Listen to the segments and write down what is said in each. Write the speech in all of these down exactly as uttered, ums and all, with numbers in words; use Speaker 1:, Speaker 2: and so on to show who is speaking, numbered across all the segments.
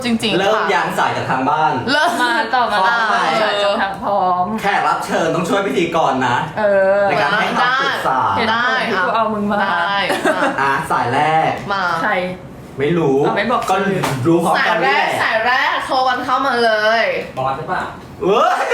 Speaker 1: จริงๆ
Speaker 2: เริ่ม
Speaker 1: ค่ะ
Speaker 2: ยางสายจากทางบ้าน
Speaker 1: เริ่ม
Speaker 3: มาต่อมา
Speaker 2: พร้อมไหม
Speaker 3: จนทางพร้อม
Speaker 2: แขกรับเชิญต้องช่วยพิธีกรนะ
Speaker 3: เออ
Speaker 2: ในการให้คำปรึกษา
Speaker 3: เห็นผลที่กูเอามึงมา
Speaker 1: ได้มา
Speaker 2: อ่ะสายแรก
Speaker 1: มา
Speaker 3: ใคร
Speaker 2: ไม่รู้
Speaker 3: เอาไม่บอก
Speaker 2: ก็รู้พร้อม
Speaker 1: สาย
Speaker 2: กัน
Speaker 1: แร
Speaker 2: นี่
Speaker 1: ก
Speaker 2: แหละ
Speaker 1: สายแรกโทรกันเข้ามาเลย
Speaker 2: บอสใช่ปะเว้ย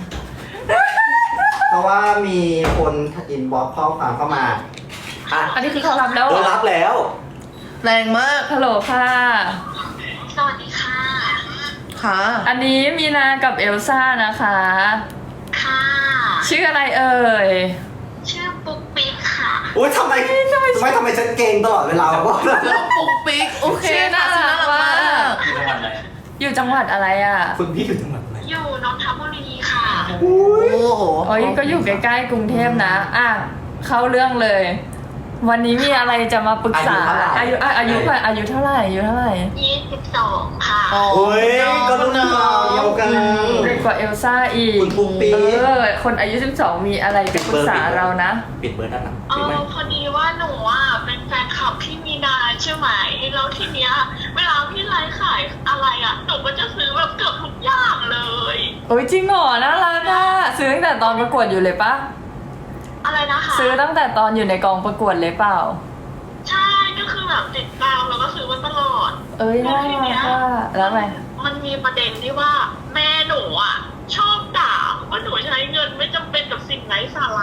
Speaker 2: เพราะว่ามีคนอินบ็อกซ์ข้อความเข้ามาอ่ะ
Speaker 3: อันนี้คือเขารับแล้ว
Speaker 2: เอ
Speaker 3: เหร
Speaker 2: อ
Speaker 3: อ
Speaker 2: รับแล้ว
Speaker 1: แรงมาก
Speaker 3: ฮัลโหลค่ะ
Speaker 4: สวัสดีค่ะ
Speaker 1: ค่ะ
Speaker 3: อันนี้มีนากับเอลซ่านะคะ
Speaker 4: ค่ะ
Speaker 3: ชื่ออะไรเอ่ย
Speaker 4: ชื่อปุ๊กปิ๊กค่ะ
Speaker 2: อุ้ยทำไมทำไมทำไมฉันเก่งตลอดเวลาวะ
Speaker 1: แล้วปุ๊กปิ๊กโอเค
Speaker 3: ชื่อน่า
Speaker 1: ค่ะ
Speaker 3: รัก
Speaker 1: ชื่อน่ารักมาก
Speaker 3: อยู่จังหวัดอะไรอ่ะ
Speaker 2: คุณพี่อยู่จังหวัดอะไร
Speaker 4: อยู่นนทบุรีค่ะ
Speaker 1: โอ้โห
Speaker 3: โอ้ยก็อยู่ใกล้ๆกรุงเทพนะ อ่ะ เข้าเรื่องเลย วันนี้มีอะไรจะมาปรึกษา อายุอ่ะอายุอ่ะอายุเท่าไหร่อายุเท่าไหร่
Speaker 4: ยี่สิบสองค่ะ
Speaker 1: โอ้
Speaker 2: โอ้ยก็รุ่นเราเดียวกัน
Speaker 3: เด็กกว่าเอลซ่าอีก
Speaker 2: คุณปุ๊กปิ๊ก
Speaker 3: เออ คนอายุสิบสองมีอะไรจะปรึกษาเรานะ
Speaker 2: ปิดเบอร์ด้านหลัง
Speaker 4: เอ
Speaker 2: ปิดไหม
Speaker 4: อพอดีว่าหนูอ่ะเป็นแฟนคลับพี่มีนาใช่ไหม แล้วทีเนี้ยเวลาพี่ไลฟ์ขายอะไรอ่ะ หนูก็จะซื้อแบบเกือบทุกอย่างเลย
Speaker 3: โอ้ยจริงเหรอน่ารักอ่ะซื้อตั้งแต่ตอนประกวดอยู่เลยปะ
Speaker 4: อะไรนะคะ
Speaker 3: ซื้อตั้งแต่ตอนอยู่ในกองประกวดเลยเปล่า
Speaker 4: ใช่ ก็คือแบบติดตามแล้วก็ซื้อมาตลอด
Speaker 3: เอ้ยน่ารักอ่ะแล้วไง
Speaker 4: มันมีประเด็นที่ว่าแม่หนูอ่ะ ชอบด่าว่าหนูใช้เงินไม่จำเป็นกับสิ่งไร้สาระ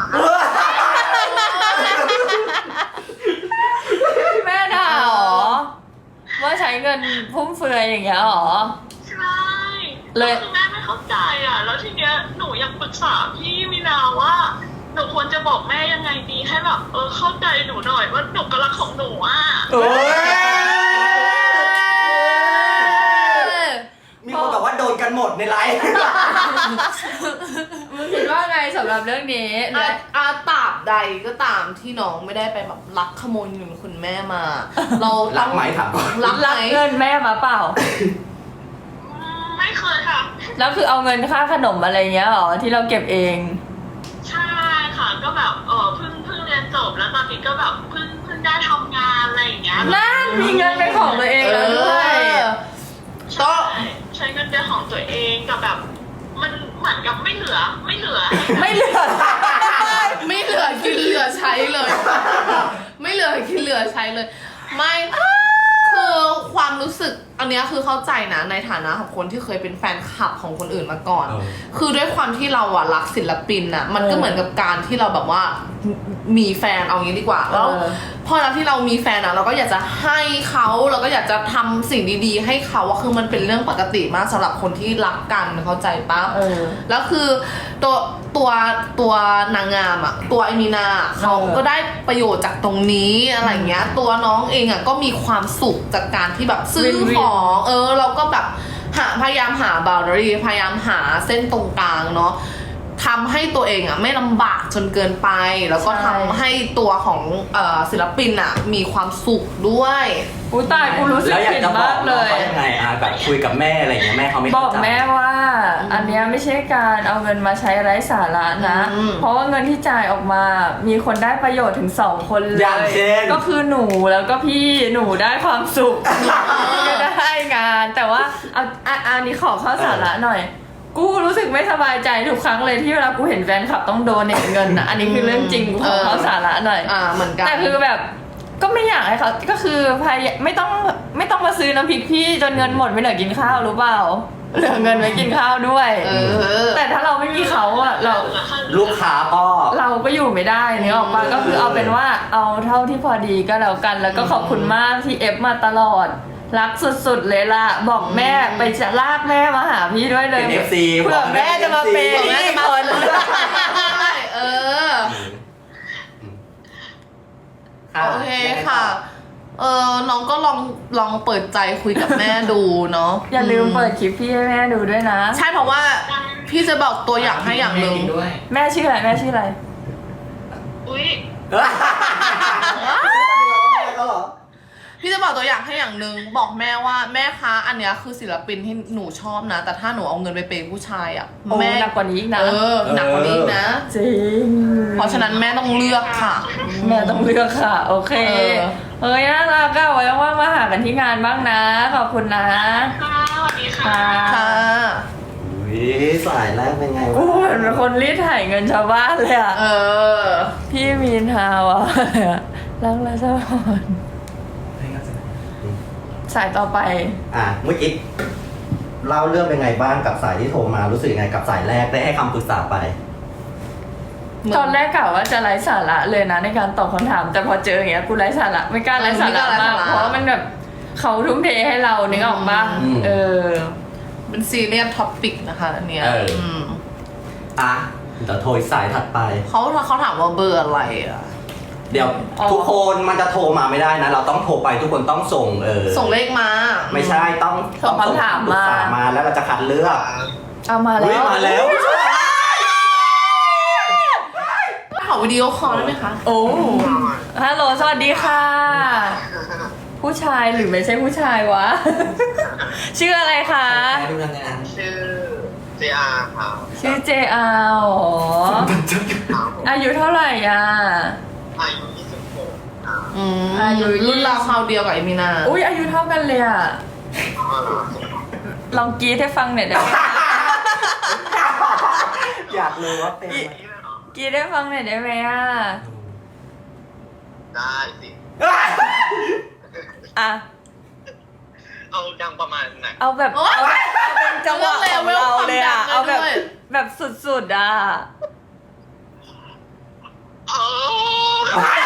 Speaker 3: แม่ด่าเหรอว่าใช้เงินฟุ่มเฟือยอย่างเงี้ยเหรอ
Speaker 4: ใช่
Speaker 3: เลย
Speaker 4: คือแม่ไม่เข้าใจอ่ะ แล้วทีเนี้ยหนูอยากปรึกษาพี่มินาว่า หนูควรจะบอกแม่ยังไงดีให้แบบเออเข้าใจหนูหน่อยว่าหนูกำลังของหนูอ่ะ
Speaker 2: โอ้ยมีคนบอกว่าโดนกันหมดในไลฟ์
Speaker 3: มึงคิดว่าไงสำหรับเรื่องนี้
Speaker 1: อาอาตราบใดก็ตามที่น้องไม่ได้ไปแบบลักขโมยเงินคุณแม่มา เรา
Speaker 2: รั
Speaker 1: ต้อก ง
Speaker 2: ไหมถามก่อน
Speaker 1: รักไหม
Speaker 3: รับเงินแม่มาเปล่า
Speaker 4: อืมไม่เคยค่ะ
Speaker 3: แล้วคือเอาเงินค่าขนมอะไรเงี้ยเหรอที่เราเก็บเอง
Speaker 4: ใช่ค่ะ ก็แบบเออเพิ่งเพิ่งเรียนจบแล้วตอนนี้ก็แบบเพิ่งเพิ่งได้ทำงานอะไรอย่างเงี้ย
Speaker 3: นั่นมีเงินเป็นของตัวเองแล้วด้วย
Speaker 4: ใช่ใช้เงินเดือนของตัวเองกับแบบ มันเหมือนกับไม่เหลือไม่เหลือ
Speaker 3: ไม่เหลือ
Speaker 1: ไม่เหลือกินเหลือใช้เลย ไม่เหลือกินเหลือใช้เลย ไม่คือความรู้สึกอันเนี้ยคือเข้าใจนะในฐานะของคนที่เคยเป็นแฟนคลับของคนอื่นมาก่อน
Speaker 2: เออ
Speaker 1: คือด้วยความที่เราอะรักศิลปินอะมันก็เหมือนกับการที่เราแบบว่ามีแฟนเอางี้ดีกว่าแล้ว
Speaker 3: เออ
Speaker 1: พอเราที่เรามีแฟนอะเราก็อยากจะให้เขาเราก็อยากจะทำสิ่งดีๆ ให้เขาอะคือมันเป็นเรื่องปกติมากสำหรับคนที่รักกันเข้าใจปะ
Speaker 3: เออ
Speaker 1: แล้วคือตัวตัวตัวนางงามอะตัวไอมีนาเขาก็ได้ประโยชน์จากตรงนี้อะไรเงี้ย ตัวน้องเองอะก็มีความสุขจากการที่แบบซื้อ
Speaker 3: วินวิน
Speaker 1: ของเออเราก็แบบหาพยายามหาบาร์รีพยายามหาเส้นตรงกลางเนาะทำให้ตัวเองอะไม่ลำบากจนเกินไป แล้วก็ทำให้ตัวของเอ่อศิลปินอะมีความสุขด้วย
Speaker 3: อุ้ยตายกูรู้สึก
Speaker 2: แล้วอยาก
Speaker 3: ผิด
Speaker 2: จะบอ
Speaker 3: มาก ก
Speaker 2: น้
Speaker 3: เล
Speaker 2: อง
Speaker 3: ย
Speaker 2: เขายังไงอ่ะแบบคุยกับแม่อะไรอย่างเงี้ยแม่เขาไม่
Speaker 3: บ
Speaker 2: เข้า
Speaker 3: อก
Speaker 2: ใจ
Speaker 3: แม่ว่า อันเนี้ยไม่ใช่การเอาเงินมาใช้ไร้สาระนะ
Speaker 1: อืม
Speaker 3: เพราะว่าเงินที่จ่ายออกมา มีคนได้ประโยชน์ถึงสองคนเลย
Speaker 2: อย่างเช่น
Speaker 3: ก็คือหนูแล้วก็พี่หนูได้ความสุขพี่ก็ได้งาน แต่ว่าเอาอ่ะอันนี้ขอเข้าสาระหน่อย กูรู้สึกไม่สบายใจทุกครั้งเลยที่เวลากูเห็นแฟนคลับต้องโดนเงินนะอันนี้คือเรื่องจริงกูขอเข้าสาระหน่อย
Speaker 1: อ่าเหมือนกัน
Speaker 3: แต่คือแบบก็ไม่อยากให้เขาก็คือพยายไม่ต้องไม่ต้องมาซื้อน้ำพริกพี่จนเงินหมดไม่เหลือกินข้าวรู้เปล่าเหลือเงินไว้กินข้าวด้วย
Speaker 1: เออ
Speaker 3: แต่ถ้าเราไม่มีเขาอะเรา
Speaker 2: ลูกค้าก็
Speaker 3: เราก็อยู่ไม่ได้เนี่ยออกมาก็คือเอาเป็นว่าเอาเท่าที่พอดีก็แล้วกัน แล้วก็ขอบคุณมากที่เอฟมาตลอดรักสุดๆเลยล่ะบอกแม่ไปจะลากแม่มาหาพี่ด้วยเลย
Speaker 2: เป็น เอฟ ซี
Speaker 3: เพื่อแม่จะมาเป็น
Speaker 1: บอกแม่จะมา
Speaker 3: คน
Speaker 1: เออ โอเคค่ะ เออน้องก็ลองลองเปิดใจคุยกับแม่ดูเนาะ
Speaker 3: อย่าลืมเปิดคลิปพี่ให้แม่ดูด้วยนะ
Speaker 1: ใช่เพราะว่าพี่จะบอกตัวอย่างให้อย่างหนึ่ง
Speaker 3: แม่ชื่ออะไรแม่ชื่ออะไร
Speaker 4: อุ้ย
Speaker 1: พี่จะบอกตัวอย่างให้อย่างหนึ่งบอกแม่ว่าแม่คะอันเนี้ยคือศิลปินที่หนูชอบนะ แต่ถ้าหนูเอาเงินไปเปย์ผู้ชายอ่ะ
Speaker 3: โอ้
Speaker 1: แม่
Speaker 3: หนักกว่านี้อีกนะ
Speaker 1: เออหนักกว่านี้อีกนะ
Speaker 3: จริง
Speaker 1: เพราะฉะนั้นแม่ต้องเลือกค่ะ
Speaker 3: แม่ต้องเลือกค่ะ โอเค
Speaker 1: เออ
Speaker 3: เฮ้ยน่ารักอะไว้ว่างๆมาหากันที่งานบ้างนะ ขอบคุณนะ
Speaker 4: ค่ะ
Speaker 2: สายแรกเป็นไง
Speaker 3: กู
Speaker 2: วะ
Speaker 3: เหมือนเป็นคนรีดไถเงินชาวบ้านเลยอะ
Speaker 1: เออ
Speaker 3: พี่มีนฮาวอะรักและสะพอนสายต่อไป
Speaker 2: อ่ะเมื่อกี้เล่าเรื่องเป็นไงบ้างกับสายที่โทรมารู้สึกยังไงกับสายแรกได้ให้คำปรึกษาไป
Speaker 3: ตอนแรกกะว่าจะไร้สาระเลยนะในการตอบคำถาม แต่พอเจออย่างเงี้ยกูไร้สาระไม่กล้าไร้สาระมากเพราะว่ามันแบบเขาทุ่มเทให้เรานึกออกปะ
Speaker 2: อืม
Speaker 3: เออ
Speaker 1: เป็นซีเรียสท็อปิกนะคะอันเนี้ย
Speaker 2: เอออื
Speaker 1: ม
Speaker 2: อ่ะเดี๋ยวโทรอีกสายถัดไป
Speaker 1: เขาเขาถามว่าเบอร์อะไรอ่ะ
Speaker 2: เดี๋ยว
Speaker 3: อ๋อ
Speaker 2: ทุกคนมันจะโทรมาไม่ได้นะ เราต้องโทรไปทุกคนต้องส่งเออ
Speaker 1: ส่งเลขมา
Speaker 2: ไม่ใช่ต้อง
Speaker 3: ส่งคำถาม
Speaker 2: ปรึกษ
Speaker 3: มา
Speaker 2: มาแล้วเราจะคัดเลือก
Speaker 3: เอามา
Speaker 2: เฮ้ย
Speaker 3: แล้ว
Speaker 2: มาแล้ว
Speaker 1: ขอวิดีโอคอลได้ไหมคะ
Speaker 3: โอ้ฮัลโหลสวัสดีค่ะ ผู้ชายหรือไม่ใช่ผู้ชายวะ ชื่ออะไรคะ
Speaker 2: ดูยังไง
Speaker 4: ชื่อเจอาครับ
Speaker 3: ชื่อเจอาอ๋ออายุเท่าไหร่อ่ะ
Speaker 4: อายุยี่สิบหกครับ
Speaker 1: อืม
Speaker 3: อายุ
Speaker 1: รุ่นราวคราวเดียวกับเอมินา
Speaker 3: อุ้ยอายุเท่ากันเลยอ่ะ
Speaker 4: อ๋อเหรอ
Speaker 3: ลองกรีดให้ฟังหน่อยได้ไหม
Speaker 2: อยากรู้ว่าเป็นไหม
Speaker 3: กรีดให้ฟังหน่อยได้ไหมอ่ะ
Speaker 4: ได้สิ
Speaker 3: อ่ะ
Speaker 4: เอาดังประมาณไหน
Speaker 3: เอาแบบเอาเอาเป็นจังหวะของเราเลยอ่ะ เอาแบบแบบสุดๆอ่ะ
Speaker 4: เออ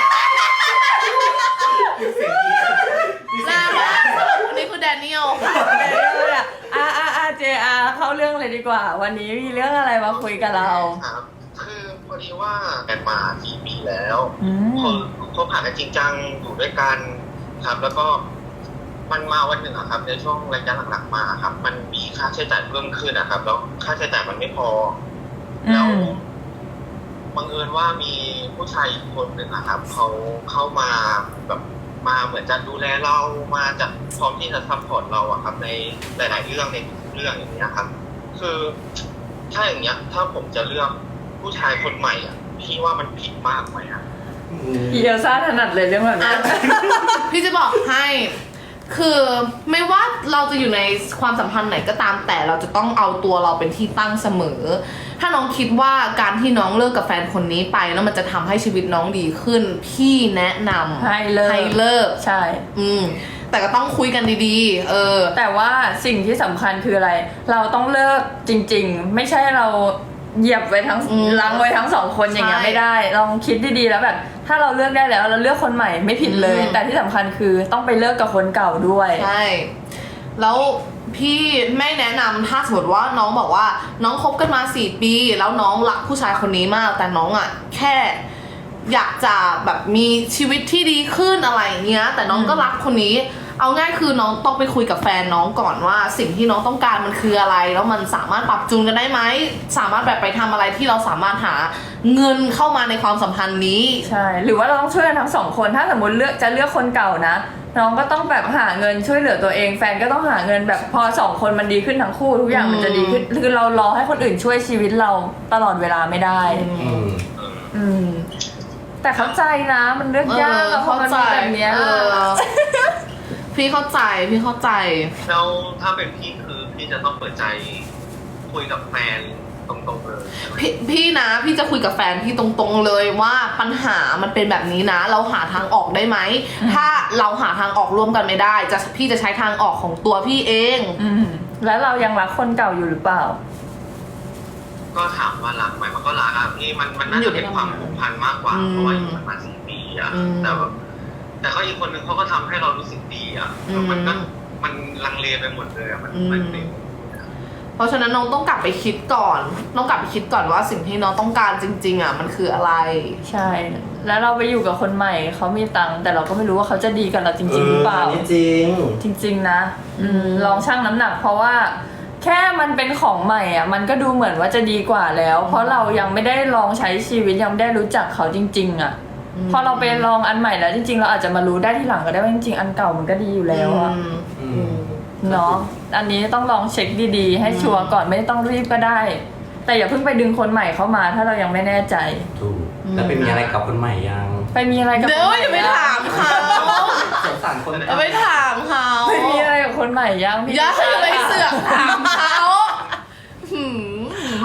Speaker 1: แล้วคนนี้คือแดเนียลค่ะ
Speaker 3: เดี๋ยวเลยอ่ะอ่ะอ่ะอ่ะเจอาเข้าเรื่องเลยดีกว่า วันนี้มีเรื่องอะไรมาคุยกับเรา
Speaker 4: ครับ คือพอดีว่ากันมาสี่ปีแล้ว
Speaker 3: อืม
Speaker 4: คนคบหากันจริงจังอยู่ด้วยกันครับ แล้วก็มันมาวันหนึ่งอะครับ ในช่วงระยะหลังๆมาครับ มันมีค่าใช้จ่ายเพิ่มขึ้นนะครับ แล้วค่าใช้จ่ายมันไม่พอ
Speaker 3: อื
Speaker 4: แล้ว
Speaker 3: ม
Speaker 4: บังเอิญว่ามีผู้ชายอีกคนหนึ่งนะครับเขาเข้ามาแบบมาเหมือนจะดูแลเรามาจะพร้อมที่จะซัพพอร์ตเราอะครับ ในหลาย ๆ เรื่องในทุกเรื่องอย่างเงี้ยครับ คือถ้าอย่างเงี้ย ถ้าผมจะเลือกผู้ชายคนใหม่อ่ะพี่ว่ามันผิดมากไหมอ่ะ
Speaker 3: อีเอลซ่าถนัดเลยเรื่องแบบนี้
Speaker 1: พี่จะบอกให้ คือไม่ว่าเราจะอยู่ในความสัมพันธ์ไหนก็ตามแต่เราจะต้องเอาตัวเราเป็นที่ตั้งเสมอ ถ้าน้องคิดว่าการที่น้องเลิกกับแฟนคนนี้ไปแล้วมันจะทำให้ชีวิตน้องดีขึ้น พี่แนะนำ
Speaker 3: ให้เลิก
Speaker 1: ให้เลิก
Speaker 3: ใช่
Speaker 1: อืม แต่ก็ต้องคุยกันดีๆ เออ
Speaker 3: แต่ว่าสิ่งที่สำคัญคืออะไร เราต้องเลิกจริงๆ ไม่ใช่เราเหยียบไว้ทั้ง
Speaker 1: อืม
Speaker 3: ล้างไว้ทั้งสองคนอย่างเงี้ย
Speaker 1: ใช่
Speaker 3: ไม่ได้ ลองคิดดีๆแล้วแบบ ถ้าเราเลือกได้แล้วเราเลือกคนใหม่ไม่ผิดเลย
Speaker 1: อืม
Speaker 3: แต่ที่สำคัญคือต้องไปเลิกกับคนเก่าด้วย
Speaker 1: ใช่ แล้วพี่ไม่แนะนำถ้าสมมติว่าน้องบอกว่าน้องคบกันมาสี่ปีแล้วน้องรักผู้ชายคนนี้มาก แต่น้องอ่ะแค่อยากจะแบบมีชีวิตที่ดีขึ้นอะไรอย่างเงี้ย แต่น้องก็รักคนนี้ เอาง่ายคือน้องต้องไปคุยกับแฟนน้องก่อนว่า สิ่งที่น้องต้องการมันคืออะไร แล้วมันสามารถปรับจูนกันได้ไหมสามารถแบบไปทำอะไรที่เราสามารถหาเงินเข้ามาในความสัมพันธ์นี้
Speaker 3: ใช่ หรือว่าเราต้องช่วยกันทั้งสองคน ถ้าสมมติเลือกจะเลือกคนเก่านะ น้องก็ต้องแบบหาเงินช่วยเหลือตัวเอง แฟนก็ต้องหาเงินแบบพอสองคนมันดีขึ้นทั้งคู่ทุกอย่างมันจะดีขึ้น คือเรารอให้คนอื่นช่วยชีวิตเราตลอดเวลาไม่ได้
Speaker 2: อืม
Speaker 3: อืม แต่เข้าใจนะ มันเลือกยาก
Speaker 1: เออ
Speaker 3: อะเพราะมันเป็นแบบเนี้ย
Speaker 1: เออ พี่เข้าใจพี่เข้าใจ
Speaker 4: แล้วถ้าเป็นพี่คือพี่จะต้องเปิดใจคุยกับแฟนตรงๆเลย
Speaker 1: พี่พี่นะพี่จะคุยกับแฟนพี่ตรงๆเลยว่าปัญหามันเป็นแบบนี้นะ เราหาทางออกได้ไหม ถ้าเราหาทางออกร่วมกันไม่ได้จะพี่จะใช้ทางออกของตัวพี่เอง
Speaker 3: อืม แล้วเรายังรักคนเก่าอยู่หรือเปล่า
Speaker 4: ก็ถามว่ารักไหมมันก็รักอ่ะพี่มันมันน่าจะเป็นความผูกพันมากกว่า
Speaker 1: อืม
Speaker 4: เพราะว่าอยู่กันมาสี่ปีอ่ะ
Speaker 1: อืม
Speaker 4: แต่แบบแต่เขาอีกคนนึงเขาก็ทำให้เรารู้สึกดีอ่ะ
Speaker 1: อืม
Speaker 4: มันก็มันลังเลไปหมดเลยอ่ะมัน
Speaker 1: อืม
Speaker 4: มันเป็น
Speaker 1: เพราะฉะนั้นน้องต้องกลับไปคิดก่อนน้องกลับไปคิดก่อนว่าสิ่งที่น้องต้องการจริง ๆอ่ะมันคืออะไร
Speaker 3: ใช่ แล้วเราไปอยู่กับคนใหม่เขามีตังค์แต่เราก็ไม่รู้ว่าเขาจะดีกับเราจริงๆหรือเปล่า
Speaker 2: นนี้จริง
Speaker 3: จริง ๆ นะ อืม ลองชั่งน้ำหนัก เพราะว่าแค่มันเป็นของใหม่อ่ะ มันก็ดูเหมือนว่าจะดีกว่าแล้ว เพราะเรายังไม่ได้ลองใช้ชีวิตยังไม่ได้รู้จักเขาจริง ๆ อ่ะ
Speaker 1: อืม
Speaker 3: พอเราไปลองอันใหม่แล้วจริง ๆ เราอาจจะมารู้ได้ทีหลังก็ได้ว่าจริงๆอันเก่ามันก็ดีอยู่แล้วอ่ะ
Speaker 1: อืม
Speaker 2: อื
Speaker 1: อื
Speaker 2: ม
Speaker 1: ม
Speaker 3: เนาะ อันนี้ต้องลองเช็คดีๆ ให้ชัวร์ก่อนไม่ต้องรีบก็ได้ แต่อย่าเพิ่งไปดึงคนใหม่เข้ามาถ้าเรายังไม่แน่ใจ
Speaker 2: ถูกแล้วเป็นมีอะไรกับคนใหม่ยัง
Speaker 3: ไปมีอะไรกับ
Speaker 1: เดี๋
Speaker 3: ค
Speaker 1: ยวน
Speaker 3: ใหม่
Speaker 1: อย่าไป
Speaker 3: ยัง
Speaker 1: ถามเขา
Speaker 2: สงสารคน
Speaker 1: อย่าไปถามเขา
Speaker 3: ไปมีอะไรกับคนใหม่ยังพี่
Speaker 1: อย่าอย่าไปเสือกถามเขาหืม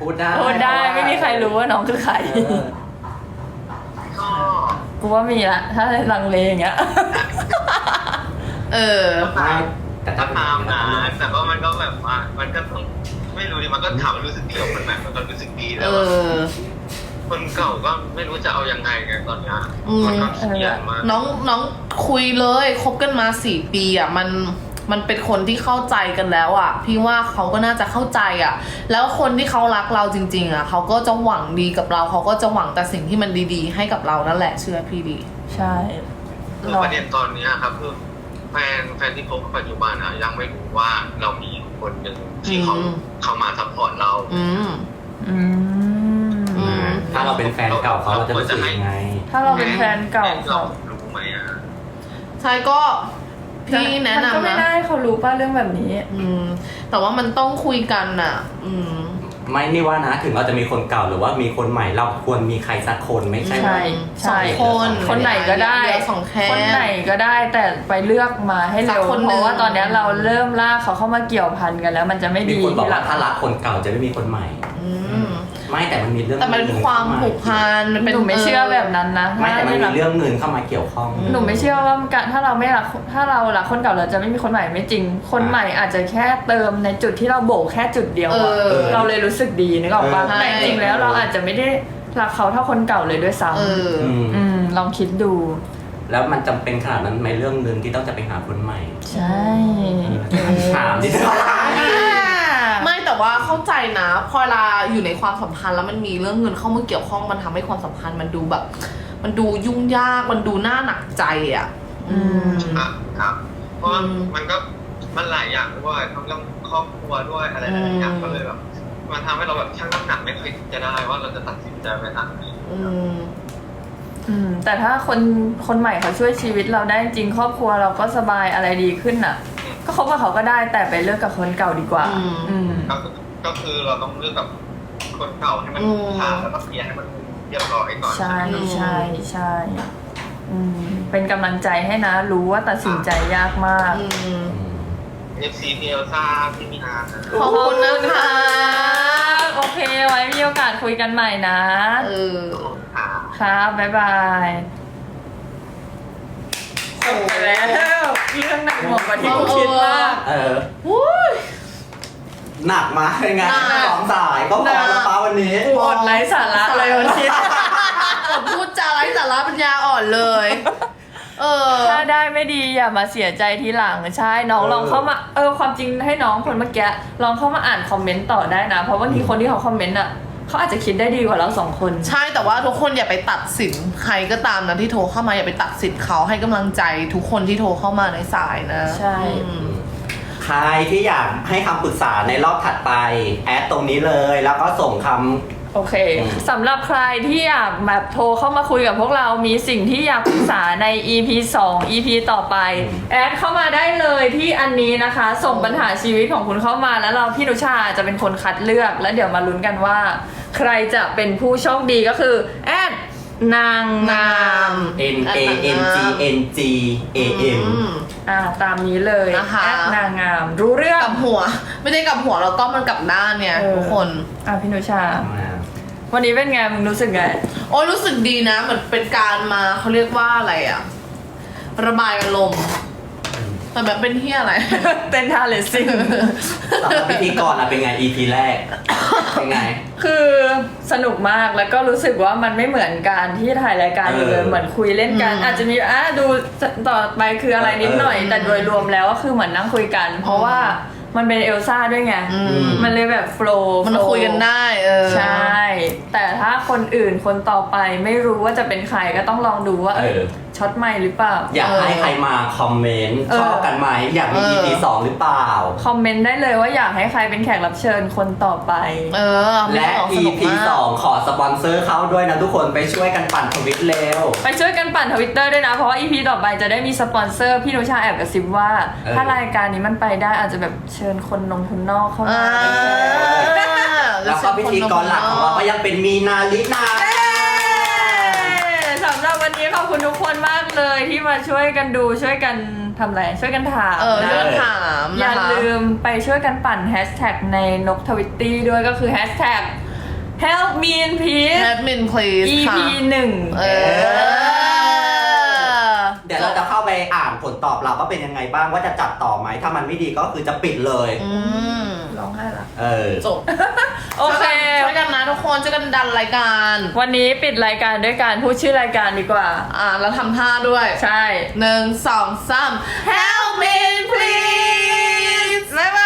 Speaker 2: พูดได้
Speaker 3: พูดได้ไม่มีใครรู้ว่าน้องคือใคร
Speaker 2: เออ
Speaker 4: ก็
Speaker 3: กูว่ามีละถ้าลังเลอย่างเงี้ย
Speaker 1: เออ
Speaker 2: ไม่แต่ถ้า
Speaker 4: ก็
Speaker 2: เป็น
Speaker 4: ตามนะแต่ว่ามันก็แบบว่ามันก็ต้องไม่รู้ดิมันก็ถามรู้สึกดีกับคนใหม่มันก็รู้สึกดี
Speaker 1: เอ
Speaker 4: แล้ว
Speaker 1: อ
Speaker 4: คนเก่าก็ไม่รู้จะเอายังไงไงตอนเนี้ย
Speaker 1: อืม
Speaker 4: มันก็เครียดมาก
Speaker 1: น้องน้องคุยเลยคบกันมาสี่ปีอ่ะมันมันเป็นคนที่เข้าใจกันแล้วอ่ะ พี่ว่าเขาก็น่าจะเข้าใจอ่ะ แล้วคนที่เขารักเราจริง ๆ อ่ะเขาก็จะหวังดีกับเราเขาก็จะหวังแต่สิ่งที่มันดีๆ ให้กับเรานั่นแหละเชื่อพี่ดี
Speaker 3: ใช่
Speaker 4: คือประเด็นตอนเนี้ยครับคือแฟนแฟนที่คบปัจจุบันอ่ะยังไม่รู้ว่าเรามีคนหนึ่งที่เขา
Speaker 1: อืม
Speaker 4: เข้ามาซัพพอร์ตเรา
Speaker 1: อืม
Speaker 3: อืม
Speaker 1: อืม
Speaker 2: ถ้าเราเป็นแฟนเก่าเขาเราจะรู้สึกยังไง
Speaker 3: ถ้าเราเป็นแฟนเก่า
Speaker 4: แฟน
Speaker 3: เขา
Speaker 4: รู้ไหมอ่ะ
Speaker 1: ใช่ก็พี่แนะ
Speaker 3: มัก็
Speaker 1: นำ
Speaker 3: ไม่
Speaker 1: นะ
Speaker 3: ได้เขารู้ป่ะเรื่องแบบนี้
Speaker 1: อืม แต่ว่ามันต้องคุยกันน่ะ อืม
Speaker 2: ไม่นี่ว่านะถึงเราจะมีคนเก่าหรือว่ามีคนใหม่เราควรมีใครสักคนไม่ใช่
Speaker 3: ใช่
Speaker 1: สองคน
Speaker 3: คนไหนก็ได้
Speaker 1: เหลือสองแค่
Speaker 3: คนไหนก็ได้แต่ไปเลือกมาให้
Speaker 1: สั
Speaker 3: เร็
Speaker 1: ก
Speaker 3: ว
Speaker 1: คนหนึ่ง
Speaker 3: เพราะว่าตอนเนี้ยเราเริ่มลากเขาเข้ามาเกี่ยวพันกันแล้ว มันจะไม่
Speaker 2: มี
Speaker 3: ดี
Speaker 2: คนบอก
Speaker 3: ทีหลั
Speaker 2: ว่าง ถ้ารักคนเก่าจะไม่มีคนใหม่
Speaker 1: อืม
Speaker 2: ไม่แต่มันมีเรื่อง
Speaker 1: แต่มันเป็นความผูกพันมันเป็น
Speaker 3: หนูไม่เชื่อแบบนั้นนะ
Speaker 2: ไม่แต่มัน
Speaker 3: ถ้า
Speaker 2: มีเรื่องเงินเข้ามาเกี่ยวข้อง
Speaker 3: หนูไม่เชื่อว่าการถ้าเราไม่รักถ้าเรารักคนเก่าเราจะไม่มีคนใหม่ไม่จริง คนใหม่อาจจะแค่เติมในจุดที่เราโบกแค่จุดเดียว
Speaker 1: เอ
Speaker 3: อะ
Speaker 1: อ
Speaker 3: เราเลยรู้สึกดีนึกออกปะ
Speaker 1: เออ
Speaker 3: แต่จริงๆแล้วเราอาจจะไม่ได้รักเขาเท่าคนเก่าเลยด้วยซ้
Speaker 1: เออ
Speaker 2: อืม
Speaker 3: ำอืมลองคิดดู
Speaker 2: แล้วมันจำเป็นขนาดนั้นไหมเรื่องเงินที่ต้องจะไปหาคนใหม่
Speaker 3: ใช่
Speaker 2: ถามดิ
Speaker 1: ไม่แต่ว่าเข้าใจนะพอเวลาอยู่ในความสัมพันธ์แล้วมันมีเรื่องเงินเข้ามาเกี่ยวข้องมันทำให้ความสัมพันธ์มันดูแบบ มันดูยุ่งยากมันดูน่าหนักใจอ่ะ อืม
Speaker 4: ครับครับ เพราะว่า
Speaker 1: อืม
Speaker 4: มันก็มันหลายอย่างด้วยทั้งเรื่องครอบครัวด้วยอะไรหลายๆอย่าง
Speaker 1: อืม
Speaker 4: ก็เลยแบบมันทำให้เราแบบชั่งน้ำหนักไม่ค่อยจะได้ว่าเราจะตัดสินใจไปทางไหน
Speaker 1: อืม
Speaker 3: อืมแต่ถ้าคนคนใหม่เขาช่วยชีวิตเราได้จริงครอบครัวเราก็สบายอะไรดีขึ้นน่ะ ก็คบกับเขาก็ได้แต่ไปเลิกกับคนเก่าดีกว่า
Speaker 1: อืม
Speaker 3: อืม
Speaker 4: ก็คือก็คือเราต้องเลือกกับคนเก่าให้มัน
Speaker 1: อืม
Speaker 4: ขาดแล้วก็เคลียร์ให้มันเรียบร้อยก่อน
Speaker 3: ใช่ใช่ใช่อืมเป็นกำลังใจให้นะ รู้ว่าตัดสินใจยากมาก
Speaker 1: อืม
Speaker 4: เอฟซีพีเอลซ่าพี่มีนานะ
Speaker 1: ขอบคุณนะคะ
Speaker 3: โอเคไว้มีโอกาสคุยกันใหม่นะ
Speaker 1: เออ
Speaker 4: ค่ะ
Speaker 3: ครับบ๊ายบายจบไปแล้วเรื่องหนักหน่วงกว่าที่กูคิดมาก
Speaker 2: เออ
Speaker 1: วุ้ย
Speaker 2: หนักมาเป็นไง
Speaker 1: หนัก
Speaker 2: สองสายก็พอแล้วป้าวันนี้
Speaker 3: กูอดไร้สาระเลยวันนี้
Speaker 1: ผมพูดจาไร้สาระปัญญาอ่อนเลย เออ
Speaker 3: ถ้าได้ไม่ดีอย่ามาเสียใจทีหลังใช่น้อง
Speaker 2: เออ
Speaker 3: ลองเข้ามาเออความจริงให้น้องคนเมื่อกี้ลองเข้ามาอ่านคอมเมนต์ต่อได้นะ เพราะบางทีคนที่เขาคอมเมนต์อ่ะเขาอาจจะคิดได้ดีกว่าเราสองคน
Speaker 1: ใช่แต่ว่าทุกคนอย่าไปตัดสินใครก็ตามนะที่โทรเข้ามาอย่าไปตัดสินเขาให้กำลังใจทุกคนที่โทรเข้ามาในสายนะ
Speaker 3: ใช่
Speaker 1: อืม
Speaker 2: ใครที่อยากให้คำปรึกษาในรอบถัดไป แอดตรงนี้เลยแล้วก็ส่งคำ
Speaker 3: โอเค
Speaker 2: อืม
Speaker 3: สำหรับใครที่อยากแบบโทรเข้ามาคุยกับพวกเรามีสิ่งที่อยากปรึกษาใน อี พี สอง อี พี ต่อไป แอดเข้ามาได้เลยที่อันนี้นะคะ ส่งปัญหาชีวิตของคุณเข้ามาแล้วเราพี่นุชาจะเป็นคนคัดเลือก แล้วเดี๋ยวมาลุ้นกันว่า ใครจะเป็นผู้โชคดีก็คือแอดนางงาม
Speaker 2: N A N G N G A M
Speaker 1: อืม
Speaker 3: อ่าตามนี้เลย
Speaker 1: นะคะ
Speaker 3: แอดนางงาม รู้เรื่อง
Speaker 1: กลับหัว ไม่ได้กลับหัวแล้วก็มันกลับด้านเนี่ย
Speaker 3: เออ
Speaker 1: ทุกคน
Speaker 3: อ่ะพี่นุชา วันนี้เป็นไงมึงรู้สึกไง
Speaker 1: โอ้ยรู้สึกดีนะเหมือนเป็นการมาเขาเรียกว่าอะไรอะระบายอารมณ์แต่แบบเป็นเที่ยอะไร
Speaker 3: เต้นท่าเลสซิ่ง
Speaker 2: สำหรับพิธีกรอะเป็นไง อี พี แรก เป็นไง
Speaker 3: คือสนุกมากแล้วก็รู้สึกว่ามันไม่เหมือนการที่ถ่ายรายการเลย
Speaker 2: เออ
Speaker 3: เหมือนคุยเล่นกัน
Speaker 1: อืม
Speaker 3: อาจจะมีอ่ะดูต่อไปคืออะไรนิดหน่อย
Speaker 1: เออ
Speaker 3: แต่โดยรวมแล้วก็คือเหมือนนั่งคุยกัน เพราะว่ามันเป็นเอลซ่าด้วยไง
Speaker 1: อืม
Speaker 3: มันเลยแบบโฟล์
Speaker 1: มันคุยกันได้เออ
Speaker 3: ใช่ แต่ถ้าคนอื่นคนต่อไปไม่รู้ว่าจะเป็นใครก็ต้องลองดูว่าเอ้ย
Speaker 2: เออ
Speaker 3: ช็อตใหม่หรือเปล่า
Speaker 2: อยากให้ใครมาคอมเมนต์
Speaker 3: เออ
Speaker 2: ชอบกันไหมอยากมี
Speaker 1: เออ
Speaker 2: อี พี สองหรือเปล่า
Speaker 3: คอมเมนต์ได้เลยว่าอยากให้ใครเป็นแขกรับเชิญคนต่อไป
Speaker 1: เออ
Speaker 2: และ
Speaker 1: ส
Speaker 2: อี
Speaker 1: นุก
Speaker 2: พี
Speaker 1: มาก
Speaker 2: สองขอสปอนเซอร์เข้าด้วยนะทุกคนไปช่วยกันปั่นทวิตเร็ว
Speaker 3: ไปช่วยกันปั่นทวิตเตอร์ด้วยนะ เพราะว่า อี พี ต่อไปจะได้มีสปอนเซอร์พี่นุชาแอบกระซิบว่า
Speaker 2: เออ
Speaker 3: ถ้ารายการนี้มันไปได้อาจจะแบบเชิญคนนงคนนอกเข้า
Speaker 1: อ่า
Speaker 3: มา
Speaker 2: แล้วก็พิธีกรหลักของเราก็ยังเป็นมีนาลินา
Speaker 3: สำหรับวันนี้ขอบคุณทุกคนมากเลยที่มาช่วยกันดูช่วยกันทำอะไรช่วยกันถาม
Speaker 1: เออ
Speaker 3: นะ
Speaker 1: เรื่องถาม
Speaker 3: อย่า
Speaker 1: นะคะ
Speaker 3: ลืมไปช่วยกันปั่นแฮชแท็กในนกทวิตตี้ด้วยก็คือแฮชแท็ก Help me in peace
Speaker 1: admin please
Speaker 3: อี
Speaker 1: ค่ะ
Speaker 3: พี หนึ่ง
Speaker 1: เออ
Speaker 2: เดี๋ยวเราจะเข้าไปอ่านผลตอบรับว่าเป็นยังไงบ้างว่าจะจัดต่อไหมถ้ามันไม่ดีก็คือจะปิดเลย
Speaker 1: อืม
Speaker 3: ร้องไห้ละ
Speaker 2: เออ
Speaker 1: จบ
Speaker 3: โอเค
Speaker 1: ช่วยกันนะทุกคนช่วยกันดันรายการ
Speaker 3: วันนี้ปิดรายการด้วยการพูดชื่อรายการดีกว่า
Speaker 1: อ่าแล้วทำท่าด้วย
Speaker 3: ใช่
Speaker 1: หนึ่งสองสาม Help me please บ๊ายบาย